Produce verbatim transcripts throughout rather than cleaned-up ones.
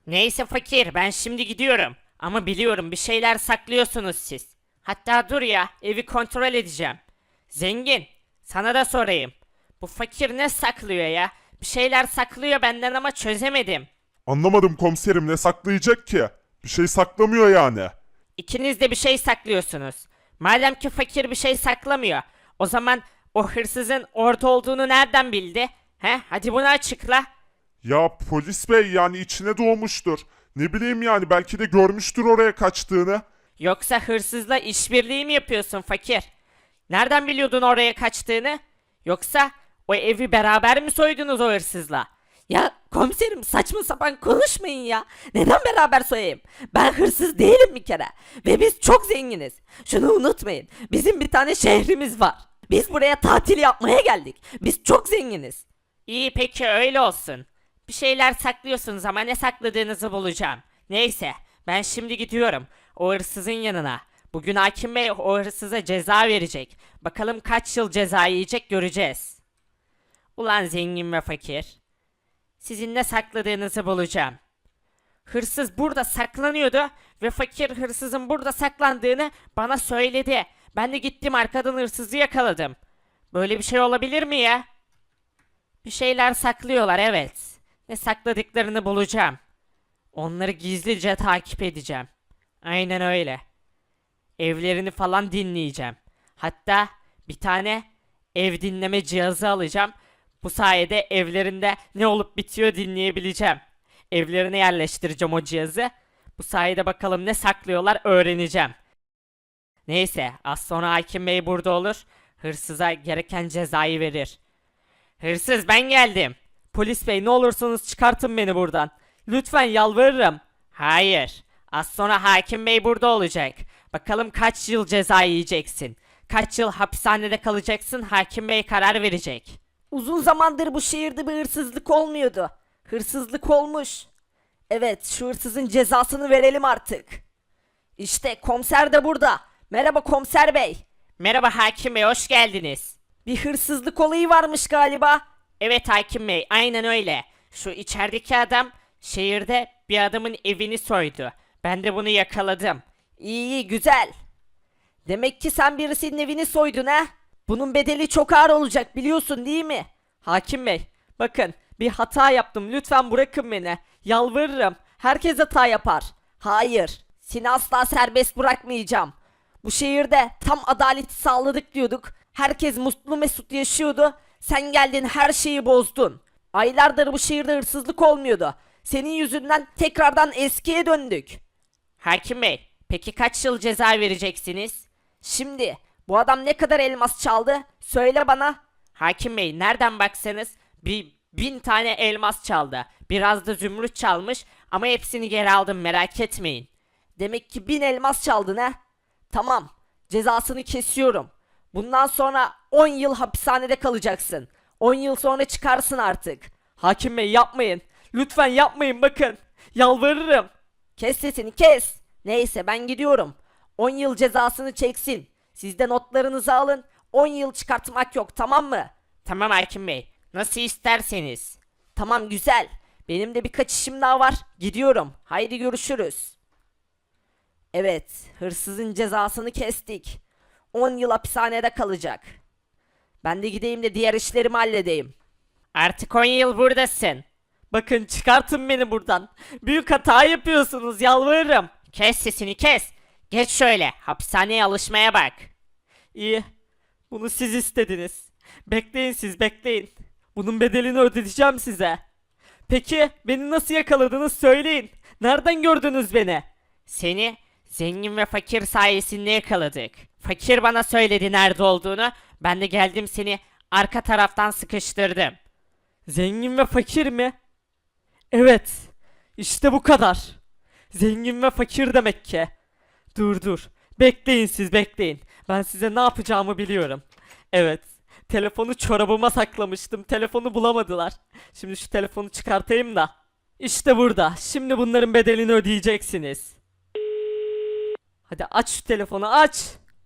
Neyse fakir, ben şimdi gidiyorum. Ama biliyorum bir şeyler saklıyorsunuz siz. Hatta dur ya, evi kontrol edeceğim. Zengin, sana da sorayım. Bu fakir ne saklıyor ya? Bir şeyler saklıyor benden ama çözemedim. Anlamadım komiserim, ne saklayacak ki? Bir şey saklamıyor yani. İkiniz de bir şey saklıyorsunuz. Madem ki fakir bir şey saklamıyor, o zaman o hırsızın orada olduğunu nereden bildi? He? Hadi bunu açıkla. Ya polis bey, yani içine doğmuştur. Ne bileyim, yani belki de görmüştür oraya kaçtığını. Yoksa hırsızla işbirliği mi yapıyorsun fakir? Nereden biliyordun oraya kaçtığını? Yoksa o evi beraber mi soydunuz o hırsızla? Ya komiserim saçma sapan konuşmayın ya. Neden beraber soyayım? Ben hırsız değilim bir kere. Ve biz çok zenginiz. Şunu unutmayın. Bizim bir tane şehrimiz var. Biz buraya tatil yapmaya geldik. Biz çok zenginiz. İyi peki öyle olsun. Bir şeyler saklıyorsunuz ama ne sakladığınızı bulacağım. Neyse ben şimdi gidiyorum o hırsızın yanına. Bugün hakim bey o hırsıza ceza verecek. Bakalım kaç yıl ceza yiyecek göreceğiz. Ulan zengin ve fakir. Sizin ne sakladığınızı bulacağım. Hırsız burada saklanıyordu ve fakir hırsızın burada saklandığını bana söyledi. Ben de gittim arkadan hırsızı yakaladım. Böyle bir şey olabilir mi ya? Bir şeyler saklıyorlar evet. Ne sakladıklarını bulacağım. Onları gizlice takip edeceğim. Aynen öyle. Evlerini falan dinleyeceğim. Hatta bir tane ev dinleme cihazı alacağım. Bu sayede evlerinde ne olup bitiyor dinleyebileceğim. Evlerine yerleştireceğim o cihazı. Bu sayede bakalım ne saklıyorlar öğreneceğim. Neyse az sonra hakim bey burada olur. Hırsıza gereken cezayı verir. Hırsız ben geldim. Polis bey ne olursunuz çıkartın beni buradan. Lütfen yalvarırım. Hayır. Az sonra hakim bey burada olacak. Bakalım kaç yıl ceza yiyeceksin. Kaç yıl hapishanede kalacaksın hakim bey karar verecek. Uzun zamandır bu şehirde bir hırsızlık olmuyordu. Hırsızlık olmuş. Evet, şu hırsızın cezasını verelim artık. İşte komiser de burada. Merhaba komiser bey. Merhaba hakim bey hoş geldiniz. Bir hırsızlık olayı varmış galiba. Evet hakim bey aynen öyle. Şu içerideki adam şehirde bir adamın evini soydu. Ben de bunu yakaladım. İyi iyi güzel. Demek ki sen birisinin evini soydun ha? Bunun bedeli çok ağır olacak biliyorsun değil mi? Hakim bey, bakın bir hata yaptım. Lütfen bırakın beni. Yalvarırım. Herkes hata yapar. Hayır. Seni asla serbest bırakmayacağım. Bu şehirde tam adaleti sağladık diyorduk. Herkes mutlu mesut yaşıyordu. Sen geldin her şeyi bozdun. Aylardır bu şehirde hırsızlık olmuyordu. Senin yüzünden tekrardan eskiye döndük. Hakim bey peki kaç yıl ceza vereceksiniz? Şimdi bu adam ne kadar elmas çaldı? Söyle bana. Hakim bey nereden baksanız bir bin tane elmas çaldı. Biraz da zümrüt çalmış ama hepsini geri aldım merak etmeyin. Demek ki bin elmas çaldın ha? Tamam. Cezasını kesiyorum. Bundan sonra on yıl hapishanede kalacaksın. on yıl sonra çıkarsın artık. Hakim bey yapmayın. Lütfen yapmayın bakın. Yalvarırım. Kes sesini kes. Neyse ben gidiyorum. on yıl cezasını çeksin. Siz de notlarınızı alın. on yıl çıkartmak yok tamam mı? Tamam hakim bey nasıl isterseniz. Tamam güzel. Benim de birkaç işim daha var. Gidiyorum. Haydi görüşürüz. Evet, hırsızın cezasını kestik. on yıl hapishanede kalacak. Ben de gideyim de diğer işlerimi halledeyim. Artık on yıl buradasın. Bakın çıkartın beni buradan. Büyük hata yapıyorsunuz yalvarırım. Kes sesini kes. Geç şöyle hapishaneye alışmaya bak. İyi. Bunu siz istediniz. Bekleyin siz bekleyin. Bunun bedelini ödeteceğim size. Peki beni nasıl yakaladınız söyleyin. Nereden gördünüz beni? Seni zengin ve fakir sayesinde yakaladık. Fakir bana söyledi nerede olduğunu. Ben de geldim seni arka taraftan sıkıştırdım. Zengin ve fakir mi? Evet. İşte bu kadar. Zengin ve fakir demek ki. Dur dur. Bekleyin siz bekleyin. Ben size ne yapacağımı biliyorum. Evet. Telefonu çorabıma saklamıştım. Telefonu bulamadılar. Şimdi şu telefonu çıkartayım da. İşte burada. Şimdi bunların bedelini ödeyeceksiniz. Hadi aç şu telefonu aç.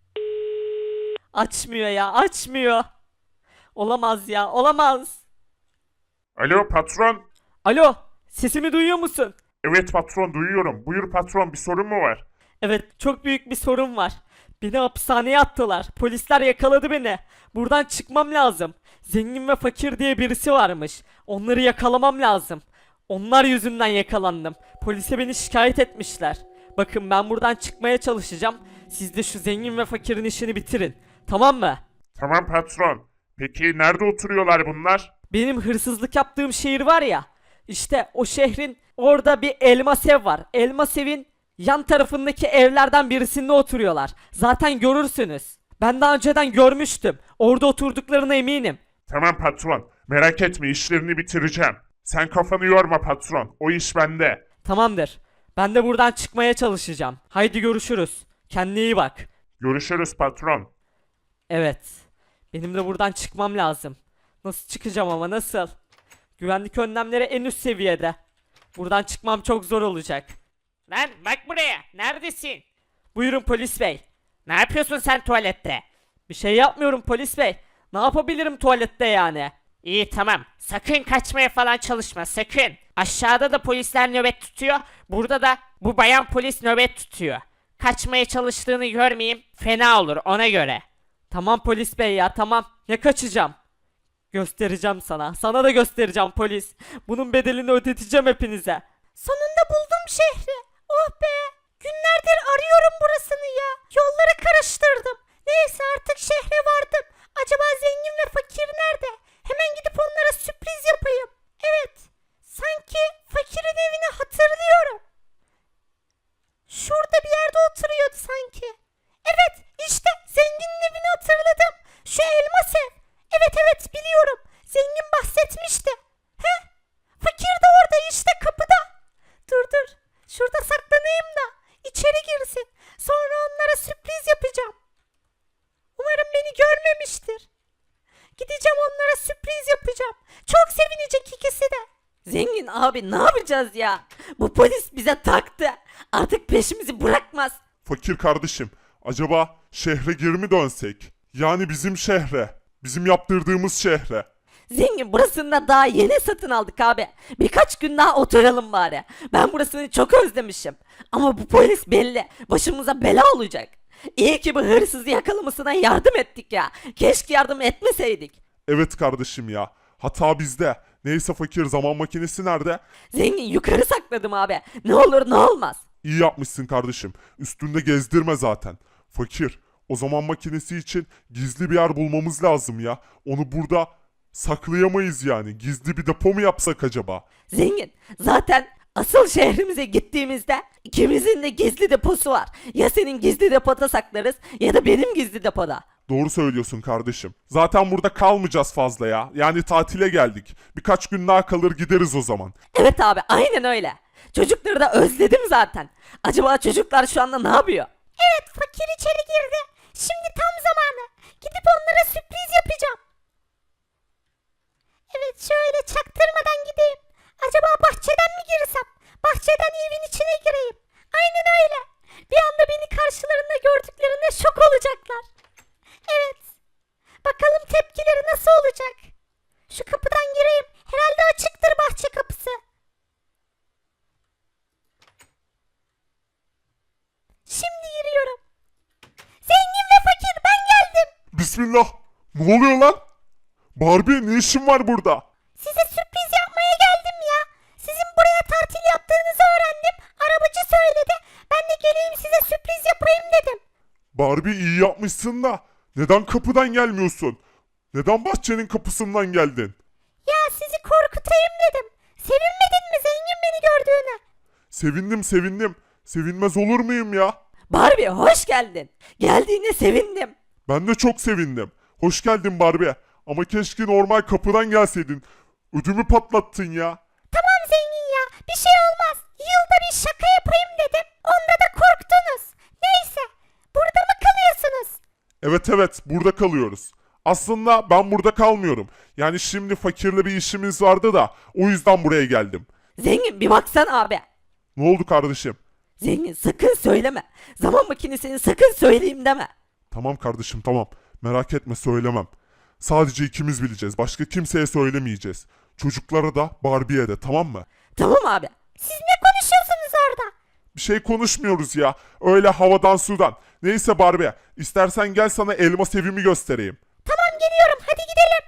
Açmıyor ya açmıyor. Olamaz ya olamaz. Alo patron. Alo, sesimi duyuyor musun? Evet patron, duyuyorum. Buyur patron, bir sorun mu var? Evet, çok büyük bir sorun var. Beni hapishaneye attılar. Polisler yakaladı beni. Buradan çıkmam lazım. Zengin ve fakir diye birisi varmış. Onları yakalamam lazım. Onlar yüzünden yakalandım. Polise beni şikayet etmişler. Bakın, ben buradan çıkmaya çalışacağım. Siz de şu zengin ve fakirin işini bitirin. Tamam mı? Tamam patron. Peki nerede oturuyorlar bunlar? Benim hırsızlık yaptığım şehir var ya. İşte o şehrin orada bir elmas ev var. Elmas evin yan tarafındaki evlerden birisinde oturuyorlar. Zaten görürsünüz. Ben daha önceden görmüştüm. Orada oturduklarına eminim. Tamam patron. Merak etme, işlerini bitireceğim. Sen kafanı yorma patron. O iş bende. Tamamdır. Ben de buradan çıkmaya çalışacağım. Haydi görüşürüz. Kendine iyi bak. Görüşürüz patron. Evet. Benim de buradan çıkmam lazım. Nasıl çıkacağım ama nasıl? Güvenlik önlemleri en üst seviyede. Buradan çıkmam çok zor olacak. Lan bak buraya. Neredesin? Buyurun polis bey. Ne yapıyorsun sen tuvalette? Bir şey yapmıyorum polis bey. Ne yapabilirim tuvalette yani? İyi tamam. Sakın kaçmaya falan çalışma sakın. Aşağıda da polisler nöbet tutuyor. Burada da bu bayan polis nöbet tutuyor. Kaçmaya çalıştığını görmeyeyim. Fena olur ona göre. Tamam polis bey ya, tamam. Ne kaçacağım? Göstereceğim sana. Sana da göstereceğim polis. Bunun bedelini ödeteceğim hepinize. Sonunda buldum şehri. Oh be. Günlerdir arıyorum burasını ya. Yolları karıştırdım. Neyse, artık şehre vardım. Acaba zengin ve fakir nerede? Hemen gidip onlara sürpriz yapayım. Evet. Sanki fakirin evini hatırlıyorum. Şurada bir yerde oturuyordu sanki. Evet, işte zenginin evini hatırladım. Şu elmas ev. Evet evet, biliyorum. Zengin bahsetmişti. He? Fakir de orada işte, kapıda. Dur dur. Şurada saklanayım da içeri girsin. Sonra onlara sürpriz yapacağım. Umarım beni görmemiştir. Gideceğim, onlara sürpriz yapacağım. Çok sevinecek ikisi de. Zengin abi, ne yapacağız ya? Bu polis bize taktı. Artık peşimizi bırakmaz. Fakir kardeşim, acaba şehre geri mi dönsek? Yani bizim şehre. Bizim yaptırdığımız şehre. Zengin, burasını da daha yeni satın aldık abi. Birkaç gün daha oturalım bari. Ben burasını çok özlemişim. Ama bu polis belli başımıza bela olacak. İyi ki bu hırsızı yakalamasına yardım ettik ya. Keşke yardım etmeseydik. Evet kardeşim ya. Hata bizde. Neyse fakir, zaman makinesi nerede? Zengin, yukarı sakladım abi. Ne olur ne olmaz. İyi yapmışsın kardeşim. Üstünde gezdirme zaten. Fakir, o zaman makinesi için gizli bir yer bulmamız lazım ya. Onu burada saklayamayız yani. Gizli bir depo mu yapsak acaba? Zengin, zaten asıl şehrimize gittiğimizde ikimizin de gizli deposu var. Ya senin gizli depoda saklarız ya da benim gizli depoda. Doğru söylüyorsun kardeşim. Zaten burada kalmayacağız fazla ya. Yani tatile geldik. Birkaç gün daha kalır gideriz o zaman. Evet abi, aynen öyle. Çocukları da özledim zaten. Acaba çocuklar şu anda ne yapıyor? Evet, fakir içeri girdi. Şimdi tam zamanı. Gidip onlara sürpriz yapacağım. Evet, şöyle çaktırmadan gideyim. Acaba bahçeden mi girsem? Bahçeden evin içine gireyim. Aynen öyle. Bir anda beni karşılarında gördüklerinde şok olacaklar. Evet. Bakalım tepkileri nasıl olacak? Şu kapıdan gireyim. Herhalde açıktır bahçe kapısı. Şimdi giriyorum. Zengin ve fakir, ben geldim. Bismillah. Ne oluyor lan? Barbie, ne işin var burada? Size sürpriz yapmaya geldim ya. Sizin buraya tatil yaptığınızı öğrendim. Arabacı söyledi. Ben de geleyim size sürpriz yapayım dedim. Barbie, iyi yapmışsın da neden kapıdan gelmiyorsun? Neden bahçenin kapısından geldin? Ya sizi korkutayım dedim. Sevinmedin mi zengin beni gördüğüne? Sevindim sevindim. Sevinmez olur muyum ya? Barbie, hoş geldin. Geldiğine sevindim. Ben de çok sevindim. Hoş geldin Barbie. Ama keşke normal kapıdan gelseydin. Ödümü patlattın ya. Tamam zengin ya, bir şey olmaz. Yılda bir şaka yapayım dedim. Onda da korktunuz. Neyse, burada mı kalıyorsunuz? Evet evet, burada kalıyoruz. Aslında ben burada kalmıyorum. Yani şimdi fakirle bir işimiz vardı da o yüzden buraya geldim. Zengin, bir baksana abi. Ne oldu kardeşim? Zengin, sakın söyleme. Zaman makinesini sakın söyleyeyim deme. Tamam kardeşim, tamam. Merak etme, söylemem. Sadece ikimiz bileceğiz. Başka kimseye söylemeyeceğiz. Çocuklara da Barbie'ye de, tamam mı? Tamam abi. Siz ne konuşuyorsunuz orada? Bir şey konuşmuyoruz ya. Öyle havadan sudan. Neyse Barbie, istersen gel sana elmas evimi göstereyim. Tamam geliyorum hadi gidelim.